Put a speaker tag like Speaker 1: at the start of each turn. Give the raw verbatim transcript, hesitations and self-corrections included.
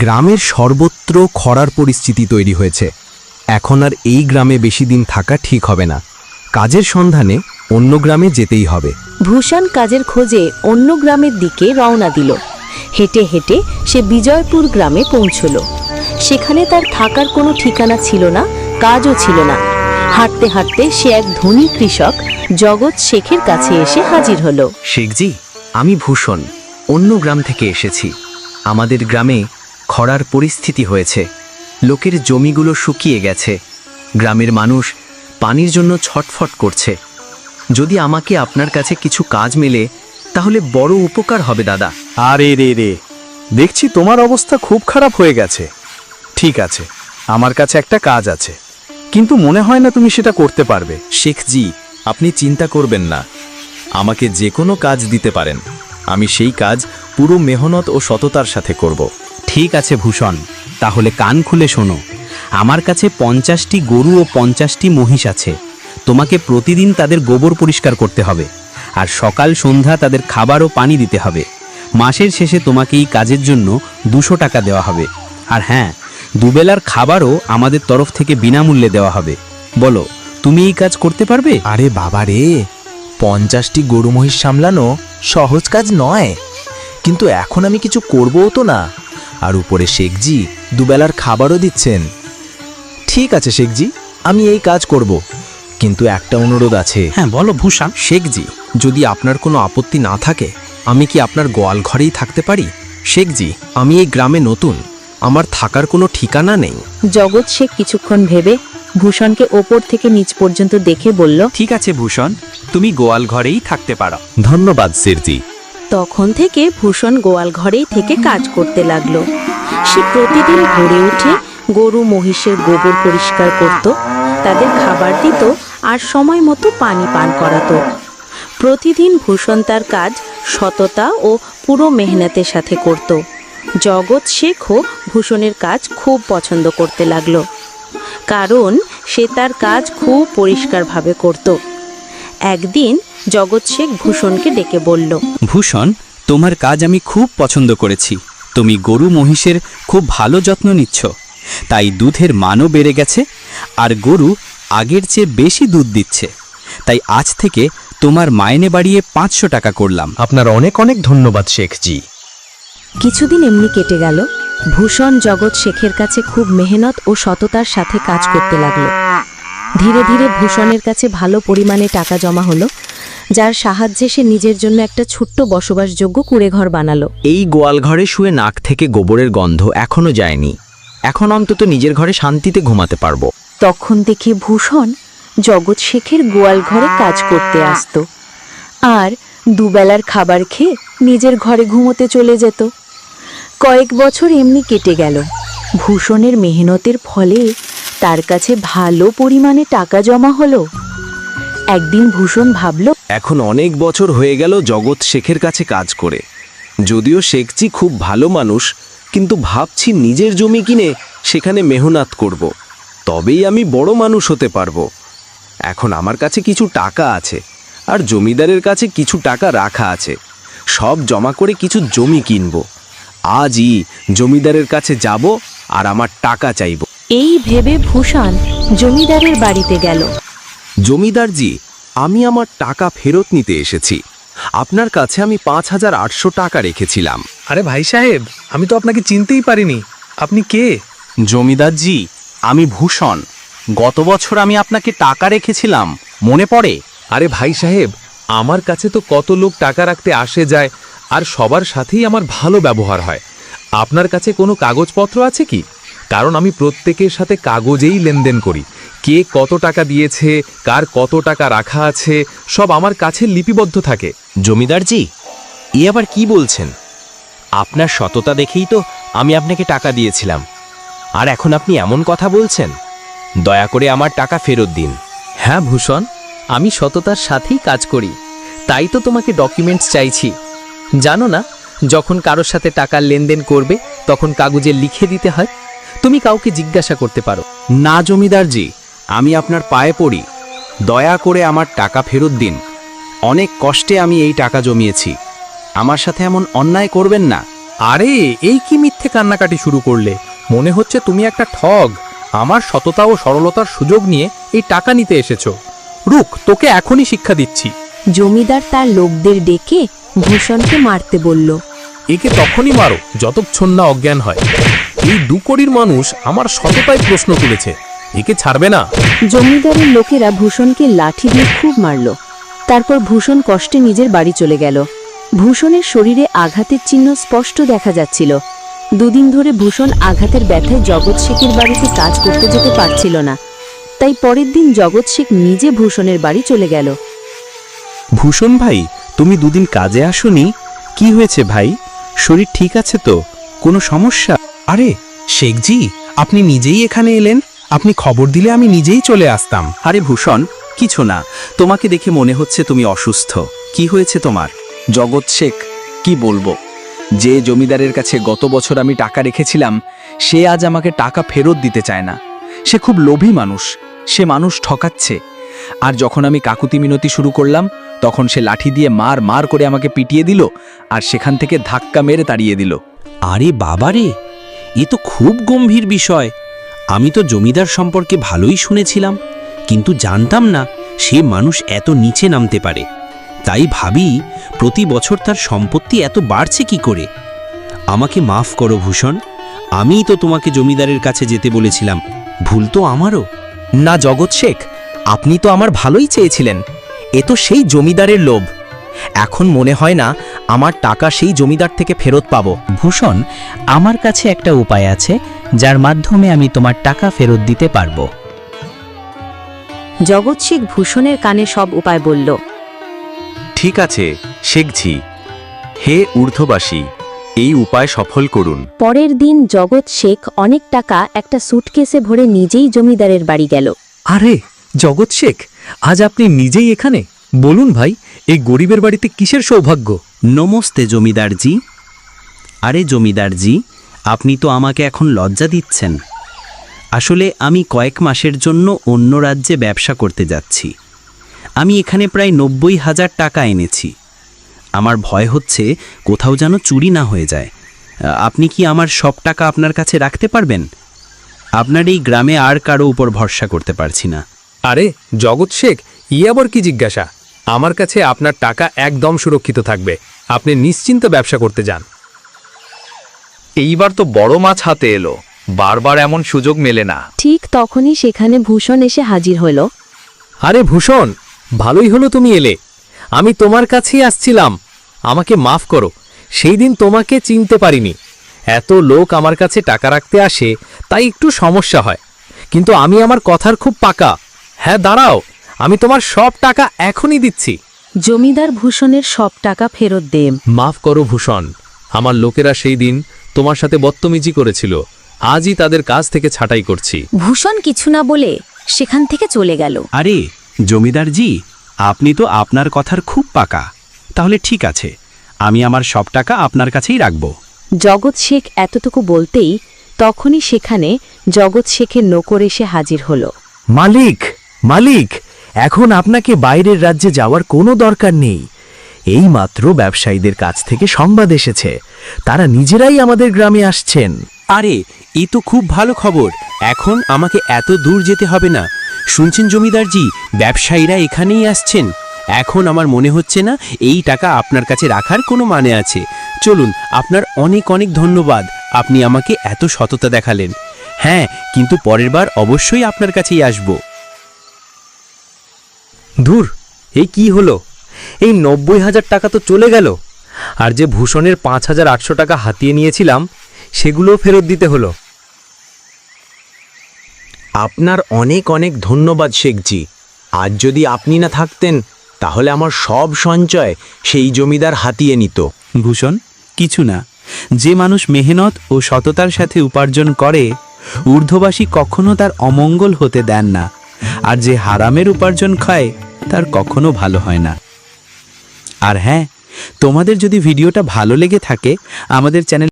Speaker 1: গ্রামের সর্বত্র খরার পরিস্থিতি তৈরি হয়েছে। এখন আর এই গ্রামে বেশি দিন থাকা ঠিক হবে না। কাজের সন্ধানে অন্য গ্রামে যেতেই হবে।
Speaker 2: ভূষণ কাজের খোঁজে অন্য গ্রামের দিকে রওনা দিল। হেঁটে হেঁটে সে বিজয়পুর গ্রামে পৌঁছল। সেখানে তার থাকার কোনো ঠিকানা ছিল না, কাজও ছিল না। হাঁটতে হাঁটতে সে এক ধনী কৃষক জগৎ শেখের কাছে এসে হাজির হলো।
Speaker 3: শেখজি, আমি ভূষণ, অন্য গ্রাম থেকে এসেছি। আমাদের গ্রামে খরার পরিস্থিতি হয়েছে। লোকের জমিগুলো শুকিয়ে গেছে। গ্রামের মানুষ পানির জন্য ছটফট করছে। যদি আমাকে আপনার কাছে কিছু কাজ মেলে তাহলে বড় উপকার হবে দাদা।
Speaker 4: আরে রে রে, দেখছি তোমার অবস্থা খুব খারাপ হয়ে গেছে। ঠিক আছে, আমার কাছে একটা কাজ আছে, কিন্তু মনে হয় না তুমি সেটা করতে পারবে।
Speaker 5: শেখজি, আপনি চিন্তা করবেন না, আমাকে যে কোনো কাজ দিতে পারেন। আমি সেই কাজ পুরো মেহনত ও সততার সাথে করব।
Speaker 6: ঠিক আছে ভূষণ, তাহলে কান খুলে শোনো। আমার কাছে পঞ্চাশটি গরু ও পঞ্চাশটি মহিষ আছে। তোমাকে প্রতিদিন তাদের গোবর পরিষ্কার করতে হবে, আর সকাল সন্ধ্যা তাদের খাবার ও পানি দিতে হবে। মাসের শেষে তোমাকে এই কাজের জন্য দুশো টাকা দেওয়া হবে। আর হ্যাঁ, দুবেলার খাবারও আমাদের তরফ থেকে বিনামূল্যে দেওয়া হবে। বলো, তুমি এই কাজ করতে পারবে?
Speaker 7: আরে বাবা রে, পঞ্চাশটি গরু মহিষ সামলানো সহজ কাজ নয়, কিন্তু এখন আমি কিছু করবও তো না। আর উপরে শেখজি দুবেলার খাবারও দিচ্ছেন। ঠিক আছে শেখজি, আমি এই কাজ করব, কিন্তু একটা অনুরোধ আছে।
Speaker 6: হ্যাঁ বলো ভূষণ।
Speaker 1: শেখজি, যদি আপনার কোনো আপত্তি না থাকে, আমি কি আপনার গোয়াল ঘরেই থাকতে পারি? শেখজি, আমি এই গ্রামে নতুন, আমার থাকার কোনো ঠিকানা নেই।
Speaker 2: জগৎ শেখ কিছুক্ষণ ভেবে ভূষণকে ওপর থেকে নিচ পর্যন্ত দেখে বলল,
Speaker 6: ঠিক আছে ভূষণ, তুমি গোয়াল ঘরেই থাকতে পারো।
Speaker 5: ধন্যবাদ শেরজি।
Speaker 2: তখন থেকে ভূষণ গোয়াল ঘরেই থেকে কাজ করতে লাগলো। সে প্রতিদিন ভোরে উঠে গরু মহিষের গোবর পরিষ্কার করত, তাদের খাবার দিত আর সময় মতো পানি পান করাতো। প্রতিদিন ভূষণ তার কাজ সততা ও পুরো মেহনতের সাথে করত। জগৎ শেখও ভূষণের কাজ খুব পছন্দ করতে লাগলো, কারণ সে তার কাজ খুব পরিষ্কারভাবে করত। একদিন জগৎ শেখ ভূষণকে ডেকে বলল,
Speaker 6: ভূষণ, তোমার কাজ আমি খুব পছন্দ করেছি। তুমি গরু মহিষের খুব ভালো যত্ন নিচ্ছ, তাই দুধের মানও বেড়ে গেছে, আর গরু আগের চেয়ে বেশি দুধ দিচ্ছে। তাই আজ থেকে তোমার মাইনে বাড়িয়ে পাঁচশো টাকা করলাম।
Speaker 1: আপনার অনেক অনেক ধন্যবাদ শেখজি।
Speaker 2: কিছুদিন এমনি কেটে গেল। ভূষণ জগৎ শেখের কাছে খুব মেহনত ও সততার সাথে কাজ করতে লাগলো। ধীরে ধীরে ভূষণের কাছে ভালো পরিমাণে টাকা জমা হলো, যার সাহায্যে সে নিজের জন্য একটা ছোট্ট বসবাসযোগ্য কুঁড়েঘর বানালো।
Speaker 3: এই গোয়াল ঘরে শুয়ে নাক থেকে গোবরের গন্ধ এখনো যায়নি। এখন অন্তত নিজের ঘরে শান্তিতে ঘুমাতে পারবো।
Speaker 2: তখন দেখে ভূষণ জগৎ শেখের গোয়াল ঘরে কাজ করতে আসতো, আর দুবেলার খাবার খেয়ে নিজের ঘরে ঘুমোতে চলে যেত। কয়েক বছর এমনি কেটে গেল। ভূষণের মেহনতের ফলে তার কাছে ভালো পরিমাণে টাকা জমা হলো। একদিন ভূষণ ভাবল,
Speaker 5: এখন অনেক বছর হয়ে গেল জগৎ শেখের কাছে কাজ করে। যদিও শেখজি খুব ভালো মানুষ, কিন্তু ভাবছি নিজের জমি কিনে সেখানে মেহনত করব, তবেই আমি বড় মানুষ হতে পারবো। এখন আমার কাছে কিছু টাকা আছে, আর জমিদারের কাছে কিছু টাকা রাখা আছে। সব জমা করে কিছু জমি কিনব। আজই জমিদারের কাছে যাব আর আমার টাকা চাইব।
Speaker 2: এই ভেবে ভূষণ জমিদারের বাড়িতে গেল।
Speaker 5: জমিদারজি, আমি আমার টাকা ফেরত নিতে এসেছি। আপনার কাছে আমি পাঁচ হাজার আটশো টাকা রেখেছিলাম।
Speaker 4: আরে ভাই সাহেব, আমি তো আপনাকে চিনতেই পারিনি। আপনি কে?
Speaker 6: জমিদারজি, আমি ভূষণ। গত বছর আমি আপনাকে টাকা রেখেছিলাম, মনে পড়ে?
Speaker 8: আরে ভাই সাহেব, আমার কাছে তো কত লোক টাকা রাখতে আসে যায়, আর সবার সাথেই আমার ভালো ব্যবহার হয়। আপনার কাছে কোনো কাগজপত্র আছে কি? কারণ আমি প্রত্যেকের সাথে কাগজেই লেনদেন করি। কে কত টাকা দিয়েছে, কার কত টাকা রাখা আছে, সব আমার কাছে লিপিবদ্ধ থাকে।
Speaker 3: জমিদারজি, এ আবার কি বলছেন? আপনার সততা দেখেই তো আমি আপনাকে টাকা দিয়েছিলাম, আর এখন আপনি এমন কথা বলছেন? দয়া করে আমার টাকা ফেরত দিন।
Speaker 9: হ্যাঁ ভূষণ, আমি সততার সাথেই কাজ করি, তাই তো তোমাকে ডকুমেন্টস চাইছি। জানো না, যখন কারোর সাথে টাকার লেনদেন করবে তখন কাগজে লিখে দিতে হয়। তুমি কাউকে জিজ্ঞাসা করতে পারো।
Speaker 1: না জমিদারজি, আমি আপনার পায়ে পড়ি, দয়া করে আমার টাকা ফেরত দিন। অনেক কষ্টে আমি এই টাকা জমিয়েছি, আমার সাথে এমন অন্যায় করবেন না।
Speaker 8: আরে এই কি মিথ্যে কান্নাকাটি শুরু করলে? মনে হচ্ছে তুমি একটা ঠগ। আমার সততা ও সরলতার সুযোগ নিয়ে এই টাকা নিতে এসেছো। রুক, তোকে এখনই শিক্ষা দিচ্ছি।
Speaker 2: জমিদার তার লোকদের ডেকে ভূষণকে মারতে বলল।
Speaker 8: একে তখনই মারো যতক্ষণ না অজ্ঞান হয়। এই দুকড়ির মানুষ আমার সততায় প্রশ্ন তুলেছে, একে ছাড়বে না।
Speaker 2: জমিদারের লোকেরা ভূষণকে লাঠি দিয়ে খুব মারল। তারপর ভূষণ কষ্টে নিজের বাড়ি চলে গেল। ভূষণের শরীরে আঘাতের চিহ্ন স্পষ্ট দেখা যাচ্ছিল। দুদিন ধরে ভূষণ আঘাতের ব্যথায় জগৎ শেখের বাড়িতে কাজ করতে যেতে পারছিল না। তাই পরের দিন জগৎ শেখ নিজে ভূষণের বাড়ি চলে গেল।
Speaker 1: ভূষণ ভাই, তুমি দুদিন কাজে আসোনি, কি হয়েছে ভাই? শরীর ঠিক আছে তো? কোনো সমস্যা?
Speaker 6: আরে শেখজি, আপনি নিজেই এখানে এলেন। আপনি খবর দিলে আমি নিজেই চলে আসতাম।
Speaker 3: আরে ভূষণ, কিছু না, তোমাকে দেখে মনে হচ্ছে তুমি অসুস্থ। কি হয়েছে তোমার? জগৎ শেখ, কি বলবো, যে জমিদারের কাছে গত বছর আমি টাকা রেখেছিলাম সে আজ আমাকে টাকা ফেরত দিতে চায় না। সে খুব লোভী মানুষ, সে মানুষ ঠকাচ্ছে। আর যখন আমি কাকুতি মিনতি শুরু করলাম তখন সে লাঠি দিয়ে মার মার করে আমাকে পিটিয়ে দিল আর সেখান থেকে ধাক্কা মেরে তাড়িয়ে দিল।
Speaker 6: আরে বাবারে, এ তো খুব গম্ভীর বিষয়। আমি তো জমিদার সম্পর্কে ভালোই শুনেছিলাম, কিন্তু জানতাম না সে মানুষ এত নিচে নামতে পারে। তাই ভাবি, প্রতি বছর তার সম্পত্তি এত বাড়ছে কি করে। আমাকে মাফ করো ভূষণ, আমিই তো তোমাকে জমিদারের কাছে যেতে বলেছিলাম। ভুল তো আমারও।
Speaker 7: না জগৎ শেখ, আপনি তো আমার ভালোই চেয়েছিলেন। এ তো সেই জমিদারের লোভ। এখন মনে হয় না আমার টাকা সেই জমিদার থেকে ফেরত পাবো।
Speaker 10: ভূষণ, আমার কাছে একটা উপায় আছে যার মাধ্যমে আমি তোমার টাকা ফেরত দিতে পারবো।
Speaker 2: জগৎ শেখ ভূষণের কানে সব উপায় বলল।
Speaker 5: ঠিক আছে শেখজি, হে ঊর্ধ্ববাসী, এই উপায় সফল করুন।
Speaker 2: পরের দিন জগৎ শেখ অনেক টাকা একটা সুটকেসে ভরে নিজেই জমিদারের বাড়ি গেল।
Speaker 9: আরে জগৎ শেখ, আজ আপনি নিজেই এখানে? বলুন ভাই, এই গরিবের বাড়িতে কিসের সৌভাগ্য?
Speaker 6: নমস্তে জমিদারজি। আরে জমিদারজি, আপনি তো আমাকে এখন লজ্জা দিচ্ছেন। আসলে আমি কয়েক মাসের জন্য অন্য রাজ্যে ব্যবসা করতে যাচ্ছি। আমি এখানে প্রায় নব্বই হাজার টাকা এনেছি। আমার ভয় হচ্ছে কোথাও যেন চুরি না হয়ে যায়। আপনি কি আমার সব টাকা আপনার কাছে রাখতে পারবেন? আপনার এই গ্রামে আর কারো উপর ভরসা করতে পারছি না।
Speaker 8: আরে জগৎ শেখ, ই আবার কি জিজ্ঞাসা? আমার কাছে আপনার টাকা একদম সুরক্ষিত থাকবে। আপনি নিশ্চিন্তে ব্যবসা করতে যান।
Speaker 4: এইবার তো বড় মাছ হাতে এলো, বারবার এমন সুযোগ মেলে না।
Speaker 2: ঠিক তখনই সেখানে ভূষণ এসে হাজির হলো।
Speaker 8: আরে ভূষণ, ভালোই হলো তুমি এলে। আমি তোমার কাছেই আসছিলাম। আমাকে মাফ করো, সেই দিন তোমাকে চিনতে পারিনি। এত লোক আমার কাছে টাকা রাখতে আসে, তাই একটু সমস্যা হয়। কিন্তু আমি আমার কথার খুব পাকা। হ্যাঁ দাঁড়াও, আমি তোমার সব টাকা এখনই দিচ্ছি।
Speaker 2: জমিদার ভূষণের সব টাকা ফেরত দেন।
Speaker 8: মাফ করো ভূষণ, আমার লোকেরা সেই দিন তোমার সাথে বদতমিজি করেছিল। আজই তাদের কাজ থেকে ছাঁটাই করছি।
Speaker 2: ভূষণ কিছু না বলে সেখান থেকে চলে গেল।
Speaker 6: আরে জমিদারজি, আপনি তো আপনার কথার খুব পাকা। তাহলে ঠিক আছে, আমি আমার সব টাকা আপনার কাছেই রাখব।
Speaker 2: জগৎ শেখ এতটুকু বলতেই তখনই সেখানে জগৎ শেখের নৌকর এসে হাজির হলো।
Speaker 7: মালিক, মালিক, এখন আপনাকে বাইরের রাজ্যে যাওয়ার কোনো দরকার নেই। এইমাত্র ব্যবসায়ীদের কাছ থেকে সংবাদ এসেছে, তারা নিজেরাই আমাদের গ্রামে আসছেন।
Speaker 6: আরে এ তো খুব ভালো খবর। এখন আমাকে এত দূর যেতে হবে না। শুনছেন জমিদারজি, ব্যবসায়ীরা এখানেই আসছেন। এখন আমার মনে হচ্ছে না এই টাকা আপনার কাছে রাখার কোনো মানে আছে। চলুন, আপনার অনেক অনেক ধন্যবাদ। আপনি আমাকে এত সততা দেখালেন। হ্যাঁ, কিন্তু পরের বার অবশ্যই আপনার কাছেই আসব।
Speaker 9: ধুর, এই কি হলো? এই নব্বই হাজার টাকা তো চলে গেল। আর যে ভূষণের পাঁচ হাজার আটশো টাকা হাতিয়ে নিয়েছিলাম সেগুলোও ফেরত দিতে হলো।
Speaker 1: আপনার অনেক অনেক ধন্যবাদ শেখজি। আজ যদি আপনি না থাকতেন তাহলে আমার সব সঞ্চয় সেই জমিদার হাতিয়ে নিত।
Speaker 6: ভূষণ, কিছু না। যে মানুষ মেহনত ও সততার সাথে উপার্জন করে, ঊর্ধ্ববাসী কখনো তার অমঙ্গল হতে দেন না। আর যে হারামের উপার্জন খায়, তার কখনো ভালো হয় না। আর হ্যাঁ, তোমাদের যদি ভিডিওটা ভালো লেগে থাকে, আমাদের চ্যানেল